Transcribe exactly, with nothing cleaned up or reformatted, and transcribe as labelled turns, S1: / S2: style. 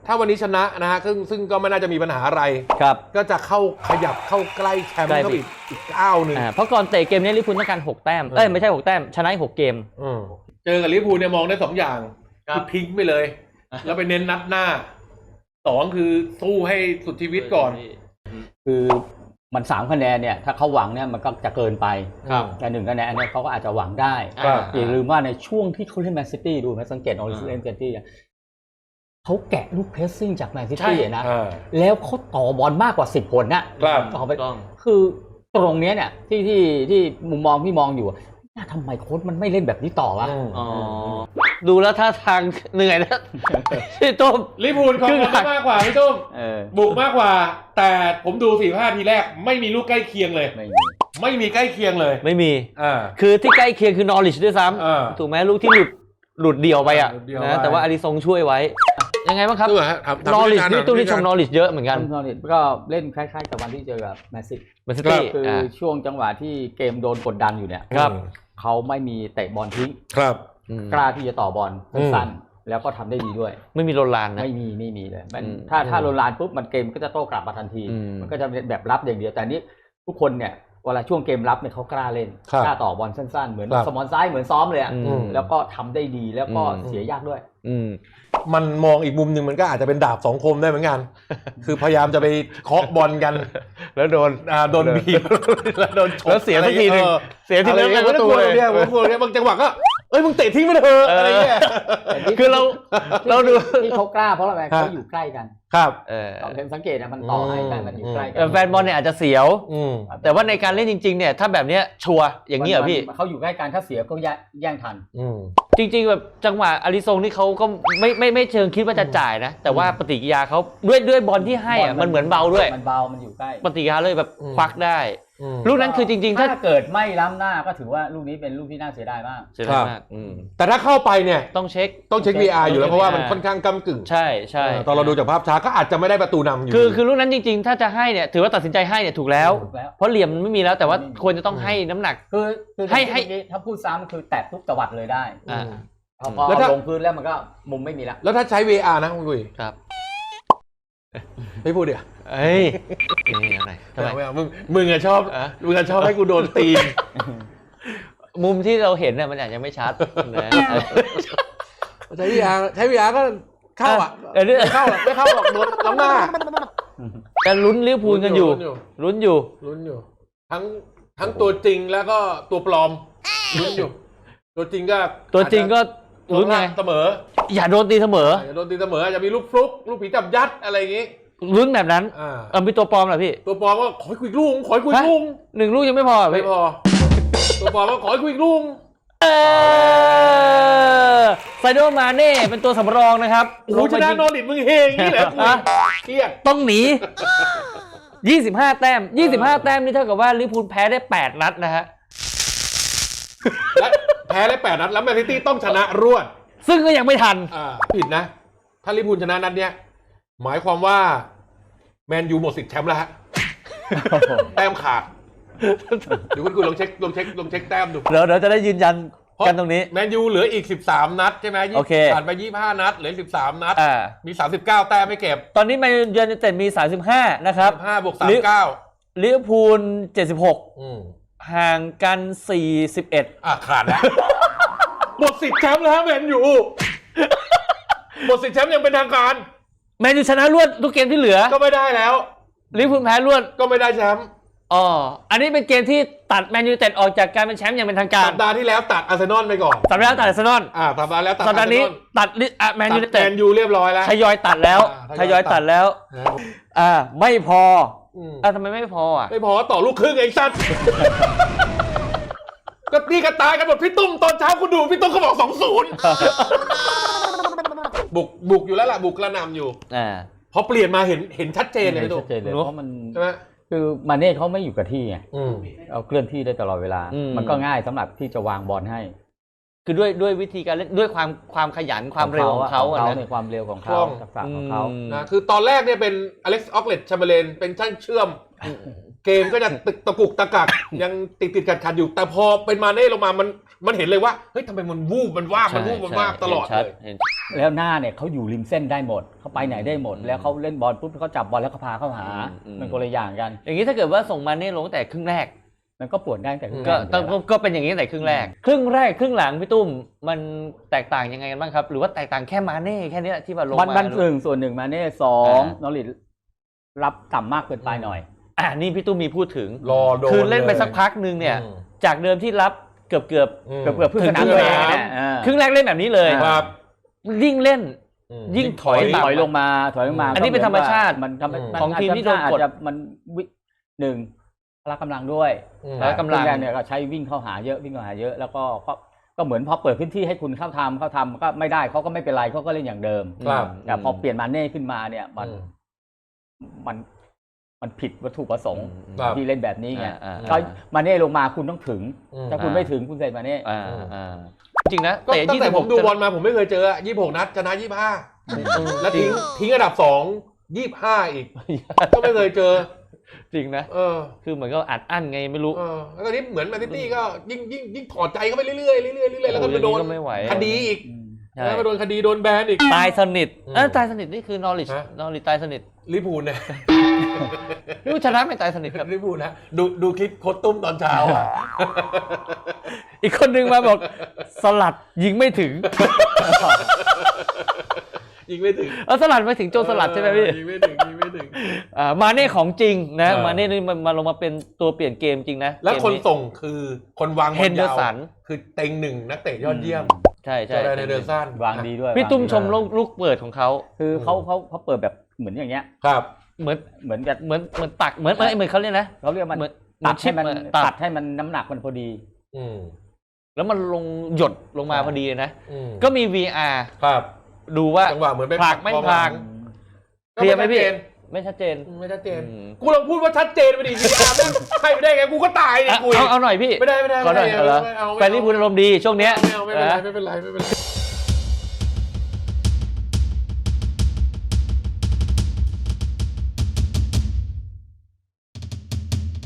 S1: ถ้าวันนี้ชนะนะฮะซึ่งซึ่งก็ไม่น่าจะมีปัญหาอะไร
S2: ครับ
S1: ก็จะเข้าขยับเข้าใกล้แชมป์เข้าอีกอีกก้าวหนึ่ง
S2: เพราะก่อนเตะเกมนี้ลิเวอร์พูลต้องการหกแต้มเอ้ยไม่ใช่หกแต้มชนะหกเกม
S1: เจอกับลิเวอร์พูลเนี่ยมองได้สองอย่างคือทิ้งไปเลยแล้วไปเน้นนัดหน้าสองคือสู้ให้สุดชีวิตก่อน
S3: คือมันสามคะแนนเนี่ยถ้าเขาหวังเนี่ยมันก็จะเกินไปแต่หนึ่งคะแนนเนี่ยเขาก็อาจจะหวังได้อย่าลืมว่าในช่วงที่เขาเล่นแมนซิตี้ดูไหมสังเกตออริจินแมนซิตี้เขาแกะลูกเพรสซิ่งจากแมนซิตี้นะแล้วเขาต่อบอลมากกว่าสิบคนนะต่อไปคือตรงนี้เนี่ยที่ที่ที่มุมมองพี่มองอยู่ทำไมโค้ชมันไม่เล่นแบบนี้ต่อวะ
S2: ดูแล้วท่าทางเหนื่อยนะพี่ตุ้ม
S1: ลิเวอร์พูลเขาบุกมากกว่าพี่ตุ้มบุกมากกว่าแต่ผมดูสี่ห้าทีแรกไม่มีลูกใกล้เคียงเลยไม่มีไม่มีใกล้เคียงเลย
S2: ไม่มีคือที่ใกล้เคียงคือนอริชด้วยซ้ำถูกไหมลูกที่หลุดหลุดเดี่ยวไปอ่ะนะแต่ว่าอาริซงช่วยไว้ยังไงบ้างครับนอริชนี่ตุ้มนี่ชมนอริชเยอะเหมือนกัน
S3: นอริชก็เล่นคล้ายๆกับวันที่เจอกับแมนซิตี้คือช่วงจังหวะที่เกมโดนกดดันอยู่เนี่ยเขาไม่มีเตะบอลทิ้ง
S1: ครับ
S3: กล้าที่จะต่อบอลสั้นแล้วก็ทำได้ดีด้วย
S2: ไม่มีโรลานนะ
S3: ไม่มีไม่มีเลยถ้าถ้าโรลานปุ๊บมันเกมก็จะโต้กลับมาทันทีมันก็จะแบบรับอย่างเดียวแต่นี้ทุกคนเนี่ยเวลาช่วงเกมรับเนี่ยเขากล้าเล่นกล้าต่อบอลสั้นๆเหมือนสมอนซ้ายเหมือนซ้อมเลยอ่ะแล้วก็ทำได้ดีแล้วก็เสียยากด้วย
S1: มันมองอีกมุมหนึ่งมันก็อาจจะเป็นดาบสองคมได้เหมือนกันคือพยายามจะไปเคาะบอลกันแล้วโดนอ่าโดนบีบแล้วโดนชก
S2: แล้วเสียทีนึงเสียทีนึงในประตูเลย
S1: เนี่ยผมกลัวเนี่ยบางจังหวะก็เอ้ยมึงเตะทิ้งไปเถอะอะไรเงี้ย
S2: คือเราเราดู
S3: ที่เขากล้าเพราะอะไรเขาอยู่ใกล้กัน
S1: ครับ
S3: เออสังเกตนะมันต่อให้กันมันอยู่ใกล้กัน
S2: แฟนบอลเนี่ยอาจจะเสียวแต่ว่าในการเล่นจริงๆเนี่ยถ้าแบบเนี้ยชัวร์อย่างนี้เหรอพี่
S3: เขาอยู่ใกล้กันถ้าเสียก็แย่งทัน
S2: จริงๆแบบจังหวะอาริซงนี่เขาก็ไม่ไม่ไม่เชิงคิดว่าจะจ่ายนะแต่ว่าปฏิกิริยาเขาด้วยด้วยบอลที่ให้อ่ะมันเหมือนเบาด้วย
S3: มันเบามันอยู่ใกล้
S2: ปฏิกิริยาเลยแบบควักได้ลูกนั้นคือจริงๆ
S3: ถ้าเกิดไม่ล้ำหน้าก็ถือว่าลูกนี้เป็นลูกที่น่าเสียดายมาก
S2: เสียดายมาก
S1: แต่ถ้าเข้าไปเนี่ย
S2: ต้องเช็ค
S1: ต้องเช็ค วี อาร์ อยู่แล้วเพราะว่ามันค่อนข้างก้ำกึ่ง
S2: ใช่ใช่
S1: ตอนเราดูจากภาพช้าก็อาจจะไม่ได้ประตูนำอยู่
S2: คือคือลูกนั้นจริงๆถ้าจะให้เนี่ยถือว่าตัดสินใจให้เนี่ยถูกแล้วเพราะเหลี่ยมไม่มีแล้วแต่ว่าควรจะต้องให้น้ำหนัก
S3: คือให้ให้ถ้าพูดซ้ำคือแตะทุกตวัดเลยได้พอลงพื้นแล้วมันก็มุมไม่มีแล้ว
S1: แล้วถ้าใช้ วี อาร์ นะคุณกุย
S2: ครับ
S1: ไม่พูดเดี๋ยว
S2: เฮ้ยนี่อะไร
S1: ทำไมมึงมึงอะชอบมึงอะชอบให้กูโดนตีน
S2: มุมที่เราเห็นเนี่ยมันอาจจะไม่ชัดนะ
S1: ใช้ วี อาร์ ใช้ วี อาร์ ก็เข้าอ่ะเข้าไม่เข้าหรอกโดนล้ำหน้า
S2: แต่ลุ้นลิเวอร์พูลกันอยู่ลุ้นอยู่
S1: ลุ้นอยู่ทั้งทั้งตัวจริงแล้วก็ตัวปลอมลุ้นอยู่ตัวจริงก็
S2: ตัวจริงก็ลุ้นไง
S1: เสมอ
S2: อย่าโดนตีเสมอ
S1: อย่าโดนตีเสมออาจจะมีลูกฟลุกลูกผีจับยัดอะไรอย่างงี้
S2: ลุ้นแบบนั้นเออมีตัวปลอมเหรอพี่
S1: ตัวปลอมก็ขอคุยลูกขอคุยลูก
S2: หนึ่งลูกยังไม่พอ
S1: ไม่พอตัวปลอมก็ขอคุยลูก
S2: ไซโดมาเน่เป็นตัวสำรองนะครับ
S1: โอ้ชนะนอริทมึงเฮงนี่แหละกูเครียด
S2: ต้องหนียี่สิบห้าแต้มยี่สิบห้าแต้มนี่เท่ากับว่าลิเวอร์พูลแพ้ได้แปดนัดนะฮะ
S1: และแพ้ได้แปดนัดแล้วแมนซิตี้ต้องชนะรวด
S2: ซึ่งก็ยังไม่ทัน
S1: อ่าผิดนะถ้าลิเวอร์พูลชนะนัดเนี้ยหมายความว่าแมนยูหมดสิทธิ์แชมป์แล้วฮะแต้มขาดเดี๋ยวคุณคุณลองเช็คลองเช็คลองเช็คแต้มดู
S2: เดี๋ยวเดี๋ยวจะได้ยืนยันกันตรงนี้
S1: แมนยูเหลืออีกสิบสามนัดใช่ไหมผ่านไปยี่สิบห้านัดเหลือสิบสามนัดมีสามสิบเก้าแต้มไม่เก็บ
S2: ตอนนี้แมนยูยูไนเต็ดมีสามสิบห้านะครับ
S1: สิบห้าบวกสามสิบเก้า
S2: ลิเวอร์พูลเจ็ดสิบหกห่างกันสี่สิบเอ็ด
S1: อ่ะขาดแล้วหมดสิทธิ์แชมป์แล้วแมนยูหมดสิทธิ์แชมป์ยังเป็นทางการ
S2: แมนยูชนะรวดทุกเกมที่เหลือ
S1: ก็ไม่ได้แล้ว
S2: ลิเวอร์พูลแพ้รวด
S1: ก็ไม่ได้แชมป์
S2: อ๋ออันนี้เป็นเกมที่ตัดแมนยูเต็ดออกจากการเป็นแชมป์อย่างเป็นทางการ
S1: สัปดาห์ที่แล้วตัดอาร์เซนอลไปก่อน
S2: สัปดาห์แล้วตัดอาร์เซนอล
S1: อ่าสัปดาห์แล้วตัด
S2: สัปดาห์นี้ตัดแมนยูเต็ด
S1: แมนยูเรียบร้อยแล้ว
S2: ทยอยตัดแล้วทยอยตัดแล้วอ่าไม่พออ่าทำไมไม่พออ่ะ
S1: ไม่พอต่อลูกครึ่งเองสั้นก็นี่ก็ตายกันหมดพี่ตุ้มตอนเช้าคุณดูพี่ตุ้มเขาบอกสองศูนย์บุกบุกอยู่แล้วล่ะบุกกระหน่ำอยู่
S2: อ่า
S1: พอเปลี่ยนมาเห็นเห็นชัดเจนเลยพี่ตุ้ม
S3: เพราะมันใช่ไหมคือมาเน่เขาไม่อยู่กับที่ไงเอาเคลื่อนที่ได้ตลอดเวลามันก็ง่ายสำหรับที่จะวางบอลให้
S2: คือด้วยด้วยวิธีการเล่นด้วยความความขยันความเร็วของเขาอะนะ
S3: ในความเร็วของเขาทักษะของเขา
S1: นะคือตอนแรกเนี่ยเป็นอเล็กซ์ออกเลตแชมเบอร์เลนเป็นช่างเชื่อมเกมก็จะตึกตะกุกตะกักยังติดติดขัดขัดอยู่แต่พอเป็นมาเน่ลงมามันมันเห็นเลยว่าเฮ้ยทำไมมันวูบมันว่าบมันวูบมันว่าบตลอดเลย
S3: แล้วหน้าเนี่ยเขาอยู่ริมเส้นได้หมดเขาไปไหนได้หมด แล้วเขาเล่นบอลปุ๊บเขาจับบอลแล้วเขาพาเข้าหามันคนละอย่างกัน
S2: อย่างนี้ถ้าเกิดว่าส่งมาเน่ลงแต่ครึ่งแรก
S3: มันก็ปวดได้แต่ครึ่งแร
S2: ก็
S3: ก
S2: ก็ก็ก็เป็นอย่างนี้แต่ครึ่งแรก ครึ่งแรกครึ่งหลังพี่ตุ้มมันแตกต่างยังไงกันบ้างครับหรือว่าแตกต่างแค่มาเน่แค่นี้ที่ว่าลง
S3: บัน
S2: มา
S3: บันหนึ่งส่วนหนึ่งมาเน่สองนอริทรับต่ำมากเกินไปหน่อย
S2: อ่านี่พี่ตุ้มมีพูดถึง
S1: รอโดน
S2: คือเล่นไปสักพักนึงเนี่ยจากเดิมที่รับเกือบเกือบ
S3: เกือบเกือบพึ่งสนามตัวเองเนี่ย
S2: ครึ่งแรกเล่นแบบนี้เลย
S1: ครับ
S2: ยิ่งเล่นยิ่งถอย
S3: ถอยลงมาถอยลงมา
S2: อันนี้เป็นธรรมชาติ
S3: มันทำ
S2: ของทีมที่โดนกด
S3: อาจจะมันหนึ่งพละกำลังด้วย
S2: พละกำลัง
S3: เนี่ยก็ใช้วิ่งเข้าหาเยอะวิ่งเข้าหาเยอะแล้วก็ก็เหมือนพอเปิดพื้นที่ให้คุณเข้าทำเข้าทำก็ไม่ได้เขาก็ไม่เป็นไรเขาก็เล่นอย่างเดิม
S1: ครับ
S3: แต่พอเปลี่ยนมาเน่ขึ้นมาเนี่ยมันมันมันผิดวัตถุประสงค์ที่เล่นแบบนี้ไงก็มาเน่ลงมาคุณต้องถึงถ้าคุณไม่ถึงคุณใส่มาเน่
S2: จริงนะ
S1: ก็ตั้งแต่ผมดูบอลมาผมไม่เคยเจอยี่สิบหกนัดชนะยี่สิบห้าแล้วทิ้งทิ้งอันดับสองยี่สิบห้าอีกก็ไม่เคยเจอ
S2: จริงนะเออคือเหมือนก็อัดอั้นไงไม่รู้
S1: เออแล้วก็นี่เหมือนแมนซิตี้ก็ยิ่งยิ่งยิ่งถอดใจเข้าไปเรื่อยๆเรื่อยๆเรื่อยๆแล้วก็ไปโดนคดีอีกแล้วก็โดนคดีโดนแบนอีก
S2: ตายสนิทเออตายสนิทนี่คือนอริชนอริชตายสนิท
S1: ลิพูลเนี่ย
S2: รู้ชนะไม่ตายสนิทครับ
S1: ลิพูลนะดูดูคลิปโคตตุ้มตอนเช้าอ่ะ
S2: อีกคนนึงมาบอกสลัดยิงไม่ถึง
S1: ยิงไม่ถึง
S2: เออสลัดไม่ถึงโจสลัดใช่ไหมพี่
S1: ยิงไม่ถึงยิงไม่ถึง
S2: อ่ามาเน่ของจริงนะมาเน่นี่มันมาลงมาเป็นตัวเปลี่ยนเกมจริงนะ
S1: แล้วคนส่งคือคนวางบอล
S2: ยาว
S1: คือเต็งหนึ่งนักเตะยอดเยี่ยม
S2: ใช่ใช่
S1: ในเดอร์ซัน
S3: วางดีด้วย
S2: พี่ตุ้มชมลูกเปิดของเขา
S3: คือเขาเขาเขาเปิดแบบเหมือนอย่างเงี้ย
S1: ครับ
S2: เหมือน
S3: เหมือนกับ
S2: เหมือนเหมือนตักเหมือนเหมือนเขาเรียกนะ
S3: เขาเรียกมันตัดให้มันตัดให้มันน้ำหนักมันพอดี
S1: อืม
S2: แล้วมันลงหยดลงมาพอดีนะก็มี วี อาร์
S1: ครับ
S2: ดูว่า
S1: จังหวะเหมือนไป
S2: ผลักไม่ผลักเคลียร์ไหมพี่ไม่ชัดเจน
S1: ไม่ชัดเจนกูลองพูดว่าชัดเจนไปดิ วี อาร์ แม่งให้ไม่ได้ไงกูก็ตายดิกู
S2: เอาเอาหน่อยพี่
S1: ไม่ได้ไม่ได้ไม่ได้
S2: แฟนลิเวอร์พูลอารมณ์ดีช่วงเนี้ย
S1: ไม่เอาไม่เป็นไรไม่เป็นไรไม่เป็นไร